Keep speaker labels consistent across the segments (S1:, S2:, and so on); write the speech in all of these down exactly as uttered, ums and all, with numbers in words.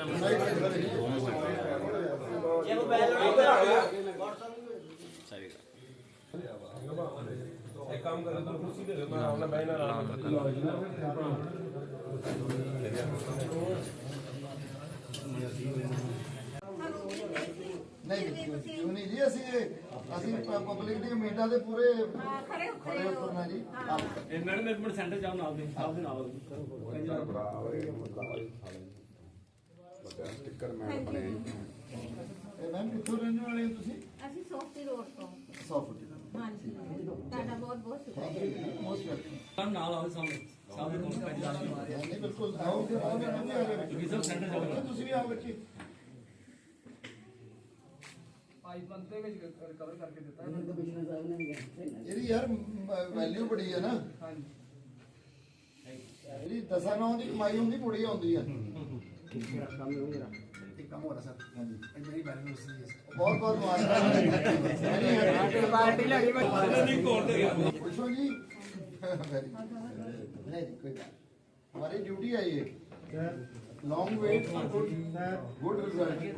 S1: नहीं नहीं जी ਅਸੀਂ ਅਸੀਂ ਪਬਲਿਕ ਦੀ ਉਮੀਦਾਂ ਦੇ ਪੂਰੇ ਖੜੇ ਖੜੇ ਉਤਰਨਾ ਜੀ
S2: ਮੈਨੇਜਮੈਂਟ ਸੈਂਟਰ ਜਾਓ ਨਾਲ ਦੇ ਆਪ ਦੇ ਨਾਲ
S1: ਸਟicker ਮੈਮ ਬਣੇ ਇਹ ਮੈਮ ਕਿੱਥੋਂ ਰਹਿਣ ਵਾਲੇ ਹੋ ਤੁਸੀਂ
S3: ਅਸੀਂ ਸੌਫਟੀ ਰੋਡ ਤੋਂ
S1: ਸੌਫਟੀ
S3: ਹਾਂਜੀ ਤੁਹਾਡਾ ਬਹੁਤ ਬਹੁਤ ਸ਼ੁਕਰੀਆ
S1: ਮੋਸਟ ਵੈਲਕਮ
S2: ਨਾਲ ਆਓ ਸਾਹਮਣੇ ਸਾਹਮਣੇ ਕੋਲ ਪੰਜ
S1: ਨਹੀਂ ਬਿਲਕੁਲ ਆਓ ਫਿਰ ਆਓ ਫਿਰ
S2: ਤੁਸੀਂ ਸਭ ਸੈਂਟਰ ਜਾਓ
S1: ਤੁਸੀਂ ਵੀ ਆਓ ਬੱਚੇ
S4: ਪਾਈਪ ਬੰਦੇ ਵਿੱਚ ਰਿਕਵਰ ਕਰਕੇ ਦਿੱਤਾ ਇਹਨਾਂ ਨੂੰ ਕਮਿਸ਼ਨਰ ਸਾਹਿਬ ਨੇ ਵੀ ਕਿਹਾ
S1: ਇਹਦੀ ਯਾਰ ਵੈਲਿਊ ਬੜੀ ਹੈ ਨਾ
S4: ਹਾਂਜੀ
S1: ਇਹਦੀ ਦਸਾਂ ਨੌਂ ਦੀ ਕਮਾਈ ਹੁੰਦੀ ਬੜੀ ਆਉਂਦੀ ਹੈ
S4: ਕੰਮ ਹੋ ਰਿਹਾ ਇੱਕ ਕੰਮ ਹੋ ਰਿਹਾ ਸਰ ਹਾਂਜੀ ਇਹ ਮੇਰੀ ਵੈਲਿਊ ਸੀ
S1: बहुत बहुत मुबारक
S4: पार्टी लड़ी में
S1: खुश हो जी नहीं कोई बात हमारी ड्यूटी है ये long wait for good good result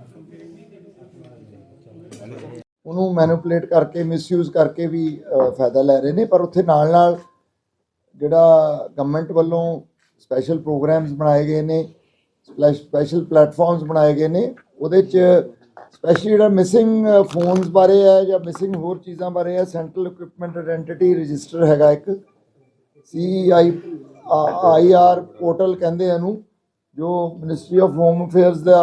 S1: ਉਹਨੂੰ ਮੈਨੂਪੂਲੇਟ ਕਰਕੇ ਮਿਸਯੂਜ਼ ਕਰਕੇ ਵੀ ਫਾਇਦਾ ਲੈ ਰਹੇ ਨੇ ਪਰ ਉੱਥੇ ਨਾਲ ਨਾਲ ਜਿਹੜਾ ਗਵਰਨਮੈਂਟ ਵੱਲੋਂ ਸਪੈਸ਼ਲ ਪ੍ਰੋਗਰਾਮਸ ਬਣਾਏ ਗਏ ਨੇ ਸਪੈਸ਼ਲ ਪਲੇਟਫਾਰਮਸ ਬਣਾਏ ਗਏ ਨੇ ਉਹਦੇ 'ਚ ਸਪੈਸ਼ਲੀ ਜਿਹੜਾ ਮਿਸਿੰਗ ਫੋਨਸ ਬਾਰੇ ਹੈ ਜਾਂ ਮਿਸਿੰਗ ਹੋਰ ਚੀਜ਼ਾਂ ਬਾਰੇ ਹੈ ਸੈਂਟਰਲ ਇਕਵਿਪਮੈਂਟ ਆਇਡੈਂਟੀਟੀ ਰਜਿਸਟਰ ਹੈਗਾ ਇੱਕ ਸੀ ਆਈ ਆਈ ਆਰ ਪੋਰਟਲ ਕਹਿੰਦੇ ਇਹਨੂੰ ਜੋ ਮਿਨਿਸਟਰੀ ਆਫ ਹੋਮ ਅਫੇਅਰਸ ਦਾ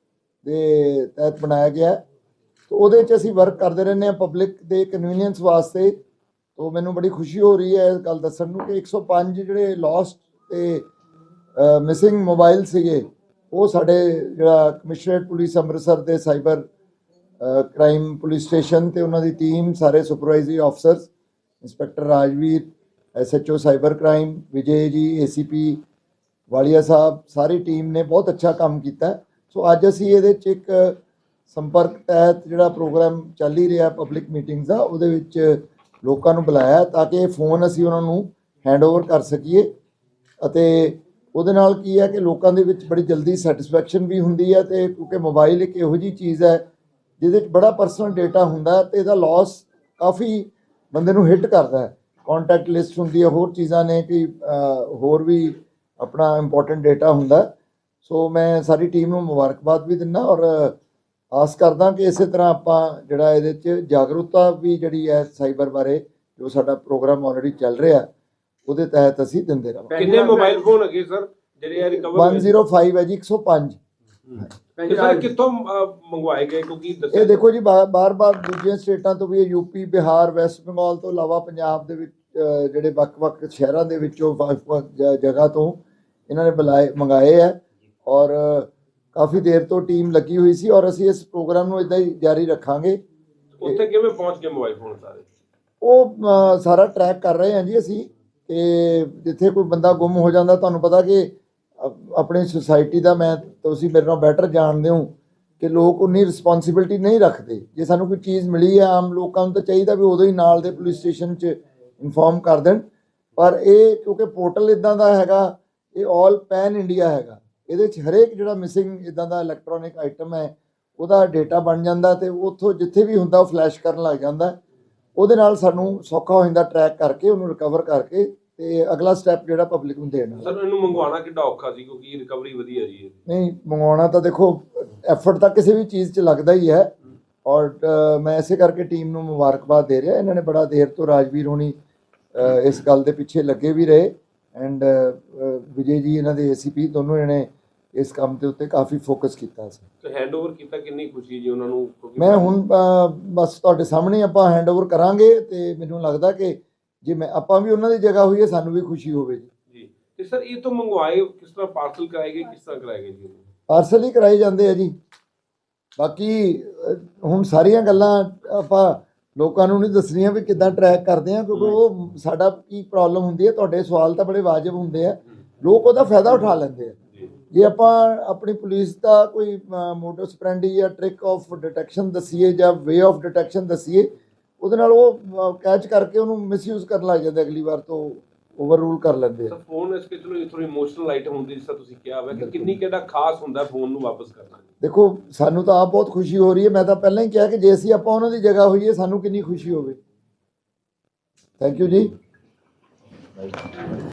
S1: ਦੇ ਤਹਿਤ ਬਣਾਇਆ ਗਿਆ ਤੋ ਉਹਦੇ 'ਚ ਅਸੀਂ ਵਰਕ ਕਰਦੇ ਰਹਿੰਦੇ ਹਾਂ ਪਬਲਿਕ ਦੇ ਕਨਵੀਨੀਅੰਸ ਵਾਸਤੇ ਤੋ ਮੈਨੂੰ ਬੜੀ ਖੁਸ਼ੀ ਹੋ ਰਹੀ ਹੈ ਇਸ ਗੱਲ ਦੱਸਣ ਨੂੰ ਕਿ ਇੱਕ ਸੌ ਪੰਜ ਜਿਹੜੇ ਲੋਸਟ ਤੇ ਮਿਸਿੰਗ ਮੋਬਾਈਲ ਸੀਗੇ ਉਹ ਸਾਡੇ ਜਿਹੜਾ ਕਮਿਸ਼ਨਰੇਟ ਪੁਲਿਸ ਅੰਮ੍ਰਿਤਸਰ ਦੇ ਸਾਈਬਰ ਕ੍ਰਾਈਮ ਪੁਲਿਸ ਸਟੇਸ਼ਨ ਤੇ ਉਹਨਾਂ ਦੀ ਟੀਮ ਸਾਰੇ supervisory officers inspector Rajveer S H O cyber crime Vijay ji A C P Walia Sahib sorry team ਨੇ ਬਹੁਤ ਅੱਛਾ ਕੰਮ ਕੀਤਾ ਸੋ ਅੱਜ ਅਸੀਂ ਇਹਦੇ 'ਚ ਇੱਕ ਸੰਪਰਕ ਤਹਿਤ ਜਿਹੜਾ ਪ੍ਰੋਗਰਾਮ ਚੱਲ ਹੀ ਰਿਹਾ ਪਬਲਿਕ ਮੀਟਿੰਗਸ ਦਾ ਉਹਦੇ ਵਿੱਚ ਲੋਕਾਂ ਨੂੰ ਬੁਲਾਇਆ ਤਾਂ ਕਿ ਇਹ ਫੋਨ ਅਸੀਂ ਉਹਨਾਂ ਨੂੰ ਹੈਂਡਓਵਰ ਕਰ ਸਕੀਏ ਅਤੇ ਉਹਦੇ ਨਾਲ ਕੀ ਹੈ ਕਿ ਲੋਕਾਂ ਦੇ ਵਿੱਚ ਬੜੀ ਜਲਦੀ ਸੈਟੀਸਫੈਕਸ਼ਨ ਵੀ ਹੁੰਦੀ ਹੈ ਤੇ ਕਿਉਂਕਿ ਮੋਬਾਈਲ ਇੱਕ ਇਹੋ ਜਿਹੀ ਚੀਜ਼ ਹੈ ਜਿਹਦੇ 'ਚ ਬੜਾ ਪਰਸਨਲ ਡੇਟਾ ਹੁੰਦਾ ਤੇ ਇਹਦਾ ਲਾਸ ਕਾਫੀ ਬੰਦੇ ਨੂੰ ਹਿੱਟ ਕਰਦਾ ਹੈ ਕੰਟੈਕਟ ਲਿਸਟ ਹੁੰਦੀ ਹੈ ਹੋਰ ਚੀਜ਼ਾਂ ਨੇ ਕਿ ਹੋਰ ਵੀ ਆਪਣਾ ਇੰਪੋਰਟੈਂਟ ਡੇਟਾ ਹੁੰਦਾ ਸੋ ਮੈਂ ਸਾਰੀ ਟੀਮ ਨੂੰ ਮੁਬਾਰਕਬਾਦ ਵੀ ਦਿੰਦਾ ਔਰ ਆਸ ਕਰਦਾ ਕਿ ਇਸੇ ਤਰ੍ਹਾਂ ਆਪਾਂ ਜਿਹੜਾ ਇਹਦੇ 'ਚ ਜਾਗਰੂਕਤਾ ਵੀ ਜਿਹੜੀ ਹੈ ਸਾਈਬਰ ਬਾਰੇ ਜੋ ਸਾਡਾ ਪ੍ਰੋਗਰਾਮ ਆਲਰੇਡੀ ਚੱਲ ਰਿਹਾ ਉਹਦੇ ਤਹਿਤ ਅਸੀਂ ਦਿੰਦੇ ਰਹਾਂਗੇ
S5: ਕਿੰਨੇ ਮੋਬਾਈਲ ਫੋਨ ਹੈਗੇ ਸਰ ਜਿਹੜੇ ਆ ਰਿਕਵਰ
S1: ਇੱਕ ਸੌ ਪੰਜ ਹੈ ਜੀ ਇੱਕ ਸੌ ਪੰਜ
S5: ਸਰ ਕਿੱਥੋਂ ਮੰਗਵਾਏ ਗਏ ਕਿਉਂਕਿ
S1: ਇਹ ਦੇਖੋ ਜੀ ਬਾਰ-ਬਾਰ ਦੂਜੀਆਂ ਸਟੇਟਾਂ ਤੋਂ ਵੀ ਇਹ ਯੂਪੀ ਬਿਹਾਰ ਵੈਸਟ ਬੰਗਾਲ ਤੋਂ ਇਲਾਵਾ ਪੰਜਾਬ ਦੇ ਵਿੱਚ ਜਿਹੜੇ ਵੱਖ-ਵੱਖ ਸ਼ਹਿਰਾਂ ਦੇ ਵਿੱਚੋਂ ਜਗ੍ਹਾ ਤੋਂ ਇਹਨਾਂ ਨੇ ਬੁਲਾਏ ਮੰਗਾਏ ਹੈ ਔਰ ਕਾਫੀ ਦੇਰ ਤੋਂ ਟੀਮ ਲੱਗੀ ਹੋਈ ਸੀ ਔਰ ਅਸੀਂ ਇਸ ਪ੍ਰੋਗਰਾਮ ਨੂੰ ਇਦਾਂ ਹੀ ਜਾਰੀ ਰੱਖਾਂਗੇ
S5: ਉੱਥੇ ਕਿਵੇਂ ਪਹੁੰਚ ਗਏ ਮੋਬਾਈਲ ਫੋਨ ਸਾਰੇ
S1: ਉਹ ਸਾਰਾ ਟਰੈਕ ਕਰ ਰਹੇ ਹਾਂ ਜੀ ਅਸੀਂ ਤੇ ਜਿੱਥੇ ਕੋਈ ਬੰਦਾ ਗੁੰਮ ਹੋ ਜਾਂਦਾ ਤੁਹਾਨੂੰ ਪਤਾ ਕਿ ਆਪਣੀ ਸੁਸਾਇਟੀ ਦਾ ਮੈਂ ਤੁਸੀਂ ਮੇਰੇ ਨਾਲ ਬੈਟਰ ਜਾਣਦੇ ਹੋ ਕਿ ਲੋਕ ਉਨੀ ਰਿਸਪੌਂਸਿਬਿਲਟੀ ਨਹੀਂ ਰੱਖਦੇ ਜੇ ਸਾਨੂੰ ਕੋਈ ਚੀਜ਼ ਮਿਲੀ ਹੈ ਆਮ ਲੋਕਾਂ ਨੂੰ ਤਾਂ ਚਾਹੀਦਾ ਵੀ ਉਦੋਂ ਹੀ ਨਾਲ ਦੇ ਪੁਲਿਸ ਸਟੇਸ਼ਨ 'ਚ ਇਨਫੋਰਮ ਕਰ ਦੇਣ ਪਰ ਇਹ ਕਿਉਂਕਿ ਪੋਰਟਲ ਇਦਾਂ ਦਾ ਹੈਗਾ ਇਹ ਆਲ ਪੈਨ ਇੰਡੀਆ ਹੈਗਾ ਇਹਦੇ 'ਚ ਹਰੇਕ ਜਿਹੜਾ ਮਿਸਿੰਗ ਇਦਾਂ ਦਾ ਇਲੈਕਟ੍ਰੋਨਿਕ ਆਈਟਮ ਹੈ ਉਹਦਾ ਡੇਟਾ ਬਣ ਜਾਂਦਾ ਤੇ ਉੱਥੋਂ ਜਿੱਥੇ ਵੀ ਹੁੰਦਾ ਉਹ ਫਲੈਸ਼ ਕਰਨ ਲੱਗ ਜਾਂਦਾ ਉਹਦੇ ਨਾਲ ਸਾਨੂੰ ਸੌਖਾ ਹੋ ਜਾਂਦਾ ਟਰੈਕ ਕਰਕੇ ਉਹਨੂੰ ਰਿਕਵਰ ਕਰਕੇ ਤੇ ਅਗਲਾ ਸਟੈਪ ਜਿਹੜਾ ਪਬਲਿਕ ਨੂੰ ਦੇਣਾ
S5: ਸਰ ਇਹਨੂੰ ਮੰਗਵਾਉਣਾ ਕਿੱਡਾ ਔਖਾ ਸੀ ਕਿਉਂਕਿ ਰਿਕਵਰੀ ਵਧੀਆ ਜੀ
S1: ਨਹੀਂ ਮੰਗਵਾਉਣਾ ਤਾਂ ਦੇਖੋ ਐਫਰਟ ਤਾਂ ਕਿਸੇ ਵੀ ਚੀਜ਼ 'ਚ ਲੱਗਦਾ ਹੀ ਹੈ ਔਰ ਮੈਂ ਇਸੇ ਕਰਕੇ ਟੀਮ ਨੂੰ ਮੁਬਾਰਕਬਾਦ ਦੇ ਰਿਹਾ ਇਹਨਾਂ ਨੇ ਬੜਾ ਦੇਰ ਤੋਂ ਰਾਜਵੀਰ ਹੋਣੀ ਇਸ ਗੱਲ ਦੇ ਪਿੱਛੇ ਲੱਗੇ ਵੀ ਰਹੇ ਐਂਡ ਵਿਜੇ ਜੀ ਇਹਨਾਂ ਦੇ ਏ ਸੀ ਪੀ ਦੋਨੋਂ ਜਣੇ ਇਸ ਕੰਮ ਦੇ ਉੱਤੇ ਕਾਫੀ ਫੋਕਸ ਕੀਤਾ ਸੀ
S5: ਤੇ ਹੈਂਡਓਵਰ ਕੀਤਾ ਕਿੰਨੀ ਖੁਸ਼ੀ ਜੀ ਉਹਨਾਂ ਨੂੰ
S1: ਮੈਂ ਹੁਣ ਬਸ ਤੁਹਾਡੇ ਸਾਹਮਣੇ ਆਪਾਂ ਹੈਂਡਓਵਰ ਕਰਾਂਗੇ ਤੇ ਮੈਨੂੰ ਲੱਗਦਾ ਕਿ ਜੇ ਮੈਂ ਆਪਾਂ ਵੀ ਉਹਨਾਂ ਦੀ ਜਗ੍ਹਾ ਹੋਈਏ ਸਾਨੂੰ ਵੀ ਖੁਸ਼ੀ ਹੋਵੇ ਜੀ
S5: ਜੀ ਤੇ ਸਰ ਇਹ ਤੋਂ ਮੰਗਵਾਏ ਕਿਸ ਤਰ੍ਹਾਂ ਪਾਰਸਲ ਕਰਾਏ ਗਏ ਕਿਸ ਤਰ੍ਹਾਂ ਕਰਾਏ ਗਏ ਜੀ
S1: ਪਾਰਸਲ ਹੀ ਕਰਾਏ ਜਾਂਦੇ ਆ ਜੀ ਬਾਕੀ ਹੁਣ ਸਾਰੀਆਂ ਗੱਲਾਂ ਆਪਾਂ ਲੋਕਾਂ ਨੂੰ ਨਹੀਂ ਦੱਸਣੀਆਂ ਵੀ ਕਿੱਦਾਂ ਟਰੈਕ ਕਰਦੇ ਆ ਕਿਉਂਕਿ ਉਹ ਸਾਡਾ ਕੀ ਪ੍ਰੋਬਲਮ ਹੁੰਦੀ ਹੈ ਤੁਹਾਡੇ ਸਵਾਲ ਤਾਂ ਬੜੇ ਵਾਜਬ ਹੁੰਦੇ ਆ ਲੋਕ ਉਹਦਾ ਫਾਇਦਾ ਉਠਾ ਲੈਂਦੇ ਆ ਜੇ ਆਪਾਂ ਆਪਣੀ ਪੁਲਿਸ ਦਾ ਕੋਈ ਮੋਡਸ ਆਪਰੈਂਡੀ ਜਾਂ ਟ੍ਰਿਕ ਆਫ ਡਿਟੈਕਸ਼ਨ ਦੱਸੀਏ ਜਾਂ ਵੇ ਆਫ ਡਿਟੈਕਸ਼ਨ ਦੱਸੀਏ ਉਹਦੇ ਨਾਲ ਉਹ ਕੈਚ ਕਰਕੇ ਉਹਨੂੰ ਮਿਸਯੂਜ਼ ਕਰਨ ਲੱਗ ਜਾਂਦੇ ਅਗਲੀ ਵਾਰ ਤੋਂ ਓਵਰ ਰੂਲ ਕਰ ਲੈਂਦੇ ਆ।
S5: ਸਰ ਫੋਨ ਇਸ ਕੇ ਚਲੋ ਥੋੜੀ ਇਮੋਸ਼ਨਲ ਆਈਟਮ ਹੁੰਦੀ ਜਿਸ ਤਰ੍ਹਾਂ ਤੁਸੀਂ ਕਿਹਾ ਹੋਇਆ ਕਿ ਕਿੰਨੀ ਕਿਹੜਾ ਖਾਸ ਹੁੰਦਾ ਫੋਨ ਨੂੰ ਵਾਪਸ ਕਰਨਾ।
S1: ਦੇਖੋ ਸਾਨੂੰ ਤਾਂ ਆਪ ਬਹੁਤ ਖੁਸ਼ੀ ਹੋ ਰਹੀ ਹੈ। ਮੈਂ ਤਾਂ ਪਹਿਲਾਂ ਹੀ ਕਿਹਾ ਕਿ ਜੇ ਅਸੀਂ ਆਪਾਂ ਉਹਨਾਂ ਦੀ ਜਗ੍ਹਾ ਹੋਈਏ ਸਾਨੂੰ ਕਿੰਨੀ ਖੁਸ਼ੀ ਹੋਵੇ। ਥੈਂਕ ਯੂ ਜੀ।